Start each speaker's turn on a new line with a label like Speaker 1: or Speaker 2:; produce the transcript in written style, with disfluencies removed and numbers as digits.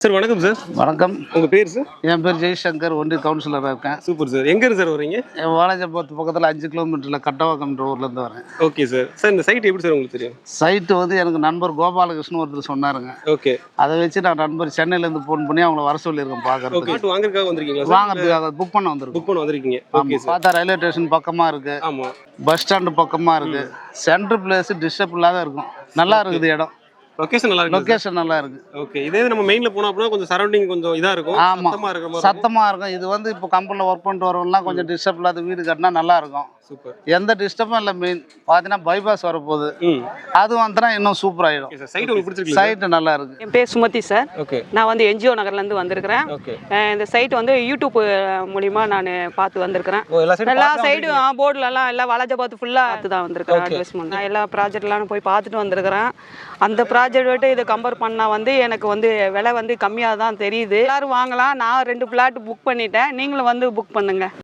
Speaker 1: Sir வணக்கம் sir.
Speaker 2: வணக்கம்.
Speaker 1: உங்க பேர் சார்?
Speaker 2: என் பேர் ஜெய்சங்கர், ஒன்றிய கவுன்சிலராக இருக்கேன்.
Speaker 1: Super sir. எங்க இருந்து சார் வரீங்க?
Speaker 2: வாலாஜாபாத் பக்கத்தில் 5 கிலோமீட்டரில் கட்டவாக்கம்ன்ற ஊர்லேருந்து வரேன்.
Speaker 1: Okay sir. சார் இந்த சைட் எப்படி சார் உங்களுக்கு தெரியும்?
Speaker 2: சைட்டு வந்து எனக்கு நண்பர் கோபாலகிருஷ்ணன் ஒருத்தர் சொன்னாருங்க.
Speaker 1: ஓகே.
Speaker 2: அதை வச்சு நான் நண்பர் சென்னையிலேருந்து ஃபோன் பண்ணி அவங்கள வர சொல்லியிருக்கேன் பார்க்கறதுக்கு.
Speaker 1: ஓகே. வாங்குறதுக்காக வந்திருக்கீங்களா சார்?
Speaker 2: வாங்குறதுக்காக புக் பண்ண வந்திருக்கோம்.
Speaker 1: புக் பண்ண வந்திருக்கீங்க. Okay sir.
Speaker 2: பார்த்தா ரயில்வே ஸ்டேஷன் பக்கமாக இருக்குது.
Speaker 1: ஆமாம்.
Speaker 2: பஸ் ஸ்டாண்டு பக்கமாக இருக்குது. சென்ட்ரு பிளேஸ் டிஸ்டர்ப் இல்லாத இருக்கும். நல்லா இருக்குது இடம்.
Speaker 1: லொகேஷன் நல்லா இருக்கு.
Speaker 2: லொகேஷன் நல்லா இருக்கு.
Speaker 1: ஓகே. இதே நம்ம மெயின்ல போனா அப்படினா கொஞ்சம் சரௌண்டிங் கொஞ்சம் இதா இருக்கும். சத்தமா இருக்கிற மாதிரி.
Speaker 2: சத்தமா இருக்கும். இது வந்து இப்போ கம்பெனில ஒர்க் பண்ணிட்டு வரவங்கலாம் கொஞ்சம் டிஸ்டர்ப் இல்லாத வீடு கட்டினா நல்லா இருக்கும்.
Speaker 1: சூப்பர். எந்த
Speaker 2: டிஸ்டர்பும் இல்லை. மெயின் பார்த்தீங்கன்னா பைபாஸ் வரப்போகுது. அது வந்துனா இன்னும் சூப்பர் ஆயிடும்.
Speaker 1: சைட் உங்களுக்கு பிடிச்சிருக்கு?
Speaker 2: சைட் நல்லா இருக்கு.
Speaker 3: என் பேர் சுமதி சார்.
Speaker 1: ஓகே.
Speaker 3: நான் வந்து என்ஜிஓ நகர்லேருந்து வந்திருக்கிறேன்.
Speaker 1: ஓகே.
Speaker 3: இந்த சைட் வந்து யூடியூப் மூலிமா நான் பார்த்து வந்திருக்கிறேன். எல்லா சைடும் போர்டுலலாம் எல்லாம் வாலாஜாபாத் ஃபுல்லாக பார்த்து தான் வந்திருக்கிறேன். அட்வர்டைஸ்மெண்ட் நான் எல்லா ப்ராஜெக்ட்லாம் போய் பார்த்துட்டு வந்திருக்கிறேன். அந்த ப்ராஜெக்ட் விட்டு இதை கம்பேர் பண்ணால் வந்து எனக்கு வந்து விலை வந்து கம்மியாக தான் தெரியுது. எல்லோரும் வாங்கலாம். நான் 2 பிளாட் புக் பண்ணிட்டேன். நீங்களும் வந்து புக் பண்ணுங்கள்.